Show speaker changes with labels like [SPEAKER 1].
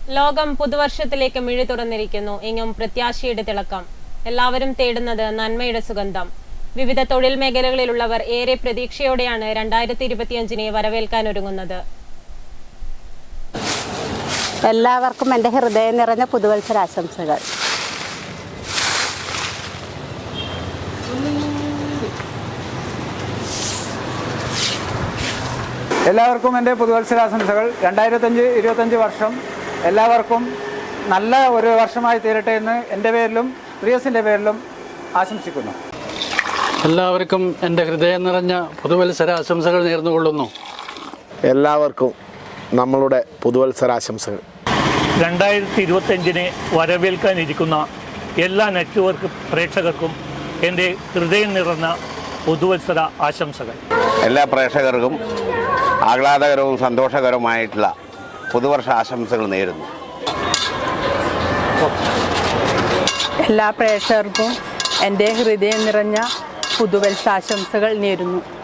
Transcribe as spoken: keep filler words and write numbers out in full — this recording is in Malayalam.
[SPEAKER 1] ലോകം പുതുവർഷത്തിലേക്ക് മിഴി തുറന്നിരിക്കുന്നു. എങ്ങും പ്രത്യാശയുടെ തിളക്കം. എല്ലാവരും തേടുന്നത് നന്മയുടെ സുഗന്ധം. വിവിധ തൊഴിൽ മേഖലകളിലുള്ളവർ ഏറെ പ്രതീക്ഷയോടെയാണ് രണ്ടായിരത്തി ഇരുപത്തിയഞ്ചിനെ വരവേൽക്കാനൊരുങ്ങുന്നത്.
[SPEAKER 2] എല്ലാവർക്കും എൻ്റെ ഹൃദയം നിറഞ്ഞ പുതുവത്സരാശംസകൾ.
[SPEAKER 3] എല്ലാവർക്കും എൻ്റെ പുതുവത്സരാശംസകൾ. രണ്ടായിരത്തഞ്ച് ഇരുപത്തഞ്ച് വർഷം എല്ലാവർക്കും നല്ല ഒരു വർഷമായി തീരട്ടെ എന്ന് എൻ്റെ പേരിലും പ്രിയസിൻ്റെ പേരിലും ആശംസിക്കുന്നു.
[SPEAKER 4] എല്ലാവർക്കും എൻ്റെ ഹൃദയം നിറഞ്ഞ പുതുവത്സരാശംസകൾ നേർന്നുകൊള്ളുന്നു.
[SPEAKER 5] എല്ലാവർക്കും നമ്മളുടെ പുതുവത്സരാശംസകൾ.
[SPEAKER 6] രണ്ടായിരത്തി ഇരുപത്തഞ്ചിനെ വരവേൽക്കാനിരിക്കുന്ന എല്ലാ നെറ്റ്വർക്ക് പ്രേക്ഷകർക്കും എൻ്റെ ഹൃദയം നിറഞ്ഞ പുതുവത്സര ആശംസകൾ.
[SPEAKER 7] എല്ലാ പ്രേക്ഷകർക്കും ആഹ്ലാദകരവും സന്തോഷകരവുമായിട്ടുള്ള പുതുവർഷ ആശംസകൾ നേരുന്നു.
[SPEAKER 8] എല്ലാ പ്രേക്ഷകർക്കും എൻ്റെ ഹൃദയം നിറഞ്ഞ പുതുവത്സരാശംസകൾ നേരുന്നു.